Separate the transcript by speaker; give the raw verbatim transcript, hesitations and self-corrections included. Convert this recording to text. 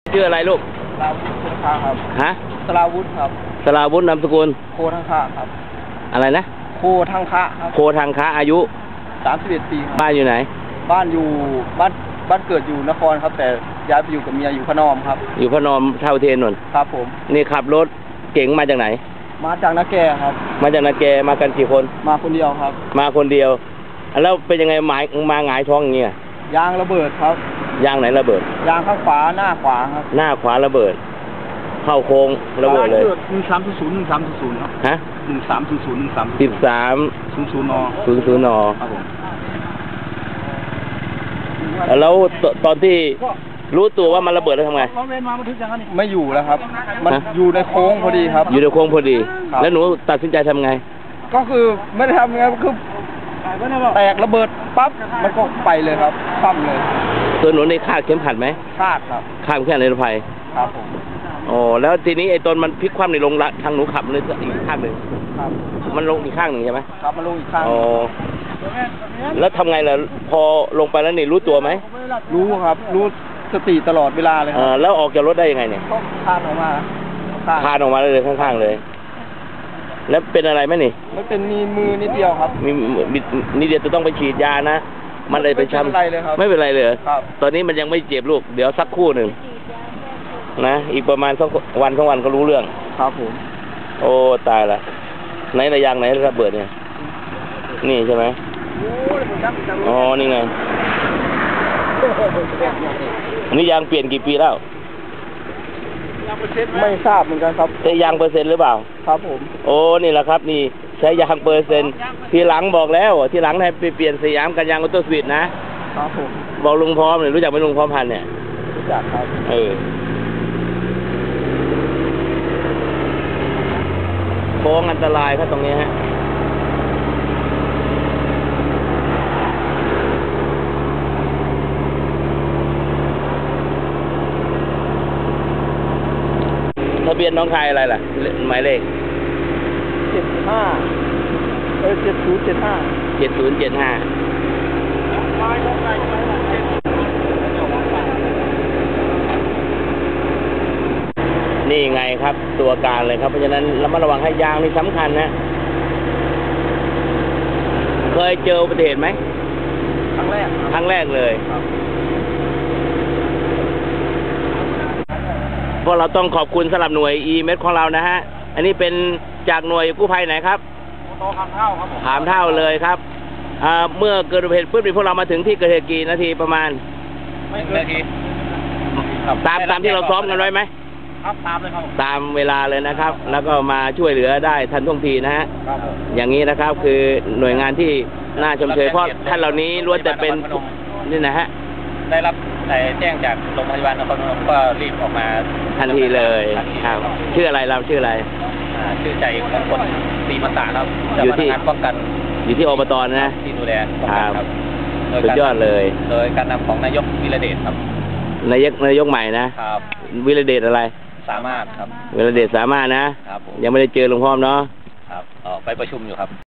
Speaker 1: ชื่ออะไรลูก
Speaker 2: สราวุธโคทังค่าครับ
Speaker 1: ฮะ
Speaker 2: สราวุธครับ
Speaker 1: สราวุธนามสกุล
Speaker 2: โคทังค่าครับ
Speaker 1: อะไรนะ
Speaker 2: โคทังค่าครับ
Speaker 1: โคทังค่าอายุ
Speaker 2: สามสิบเอ็ดปี
Speaker 1: บ้านอยู่ไหน
Speaker 2: บ้านอยู่บ้านบ้านเกิดอยู่นครครับแต่ย้ายไปอยู่กับเมียอยู่พนมครับ
Speaker 1: อยู่พนมเท่าเทนนน
Speaker 2: ครับผม
Speaker 1: นี่ขับรถเก๋งมาจากไหน
Speaker 2: มาจากนาแกครับ
Speaker 1: มาจากนาแกมากันกี่คน
Speaker 2: มาคนเดียวครับ
Speaker 1: มาคนเดียวแล้วเป็นยังไงหมายมาหงายท้องอย่างเงี้ย
Speaker 2: ยางระเบิดครับ
Speaker 1: ยางไหนระเบิด
Speaker 2: ยางข้างขวาหน้าขวาครับ
Speaker 1: หน้าขวาระเบิดเข้าโค้งระเบิดเลย
Speaker 2: หนึ่งสามศูนย์หนึ่งสามศูนย์ครับ
Speaker 1: ฮะ
Speaker 2: หนึ่งสามศูนย์ศูนย์หนึ่งสาม
Speaker 1: สิบสาม
Speaker 2: ศูนย์ศูนย์น
Speaker 1: ศูนย์ศูนย์น
Speaker 2: ครับผม
Speaker 1: แล้วตอนที่รู้ตัวว่ามันระเบิดแล้วทำไง
Speaker 2: ไม่อยู่แล้วครับมันอยู่ในโค้งพอดีครับ
Speaker 1: อยู่ในโค้งพอดีแล้วหนูตัดสินใจทำไง
Speaker 2: ก็คือไม่ได้ทำไงคือแตกระเบิดปั๊บมันก็ไปเลยครับปั๊มเลย
Speaker 1: ตัวหนูในคาดเข็มขัดไหม
Speaker 2: คาดครับ
Speaker 1: คาดแค่ในรถไฟ
Speaker 2: ครับผม
Speaker 1: โอ้แล้วทีนี้ไอ้ตนมันพลิกคว่ำในลงละทางหนูขับเลยอีกข้างหนึ่ง
Speaker 2: ครับ
Speaker 1: มันลงอีกข้างหนึ่งใช่ไหม
Speaker 2: ครับมันลงอีกข้าง
Speaker 1: อ๋อแล้วทำไงล่ะพอลงไปแล้วนี่รู้ตัวไหม
Speaker 2: รู้ครับรู้สติตลอดเวลาเลยครับ
Speaker 1: แล้วออกจากรถได้ยังไงเนี่ย
Speaker 2: คาดออกมา
Speaker 1: คาดออกมาเลยข้างๆเลยแล้วเป็นอะไรไหมนี่
Speaker 2: มันเป็นมีมือนิดเดียวครับ
Speaker 1: มีนิดเดียวจะต้องไปฉีดยานะมันเลยไปช้ำไม่เป็นไรเลยครับไม่เป็นไรเลย
Speaker 2: ครับ
Speaker 1: ตอนนี้มันยังไม่เจ็บลูกเดี๋ยวสักครู่หนึ่งนะอีกประมาณสักวันสองวันก็รู้เรื่อง
Speaker 2: ครับผม
Speaker 1: โอ้ตายละไหนระยางไหนระเบิดเนี่ยนี่ใช่ไหมอ๋อนี่ไงอันนี้ยางเปลี่ยนกี่ปีแล้ว
Speaker 2: ไม่ทราบเหมือนกันครับ
Speaker 1: ใช้ยางเปอร์เซ็นต์หรือเปล่า
Speaker 2: ครับผม
Speaker 1: โอ้นี่แหละครับนี่ใช้ยางเปอร์เซ็นต์ทีหลังบอกแล้วทีหลังให้ไปเปลี่ยนสยามกันยางออโต้สวิตนะครับ
Speaker 2: ผม
Speaker 1: บอกลุงพร้อมเนี่ยรู้จักไหมลุงพร้อมพันเนี่ย
Speaker 2: รู้จักครับ
Speaker 1: เออโค้งอันตรายครับตรงนี้ฮะทะเบียนน้องชายอะไรล่ะหมายเลข
Speaker 2: เจ็ดห้าเออเจ็ดศูนย์เจ็ดห้า
Speaker 1: เจ็ดศูนย์เจ็ดห้านี่ไงครับตัวการเลยครับเพราะฉะนั้นระมัดระวังให้ยางนี่สำคัญนะเคยเจออุบัติเหตุไหม
Speaker 2: ครั้งแรก
Speaker 1: ครั้งแรกเลยพวกเราต้องขอบคุณสำหรับหน่วย อี เอ็ม เอส ของเรานะฮะอันนี้เป็นจากหน่วยกู้ภัยไหนครับ
Speaker 2: โตขามเท่าครับผม
Speaker 1: ขามเท่าเลยครับเมื่อเกิดอุบัติเหตุปุ๊บพวกเรามาถึงที่เกิดเหตุกี่นาทีประมาณ
Speaker 2: ไม่เกินนาที
Speaker 1: ตามตามที่เราซ้อมกันไว้ไหม
Speaker 2: ครับตามเลยครับ
Speaker 1: ตามเวลาเลยนะครับแล้วก็มาช่วยเหลือได้ทันท่วงทีนะฮะอย่างนี้นะครับคือหน่วยงานที่น่าชมเชยเพราะท่านเหล่านี้ล้วนแต่เป็นนี่นะฮะ
Speaker 2: ได้รับแจ้งจากโรงพยาบาลนครพนมก็รีบออกมา
Speaker 1: ทันทีเลยครับชื่ออะไรเราชื่ออะไร
Speaker 2: ชื่อใจมงคลศรีมาศาครับอยู่ที่ป้องกัน
Speaker 1: อยู่ที่อบตนะ
Speaker 2: ที่ดูแลป้องกันครับ
Speaker 1: สุดยอดเลย
Speaker 2: โดยการนำของนายกวิรเดชครับ
Speaker 1: นายกนายกใหม่นะครับวิรเดชอะไร
Speaker 2: สามารถครับ
Speaker 1: วิรเดชสามารถนะครับยังไม่ได้เจอหลวงพ่อเนาะ
Speaker 2: ครับไปประชุมอยู่ครับ